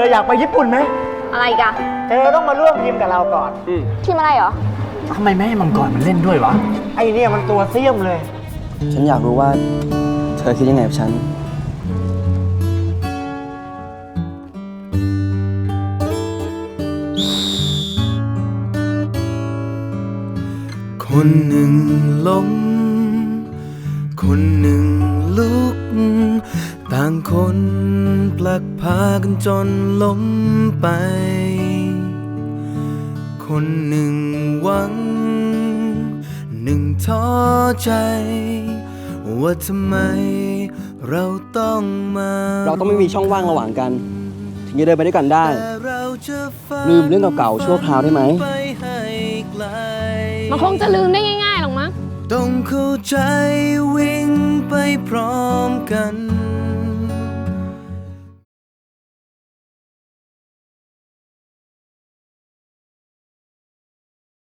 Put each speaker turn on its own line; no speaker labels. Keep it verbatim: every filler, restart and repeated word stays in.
อยากไปญี่ปุ่นไหม
อะไรกัน
เธอต้องมาร่วมทีมกับเราก่อน
ทีมอะไรเหรอ
ทำไมไม่ให้มังกรมันเล่นด้วยวะไอเนี่ยมันตัวเสี้ยมเลย
ฉันอยากรู้ว่าเธอคิดยังไงกับฉัน
คนหนึ่งล้มคนหนึ่งลุกต่างคนผลักพากันจนล้มไปคนหนึ่งหวังหนึ่งท้อใจว่าทำไมเราต้องมา
เราต้องไม่มีช่องว่างระหว่างกันถึงจะเดินไปด้วยกันได้ลืมเรื่องเก่าๆชั่วคราวได้ไหม
มันคงจะลืมได้ง่ายๆหรอกมั้ง
ต้องเข้าใจวิ่งไปพร้อมกัน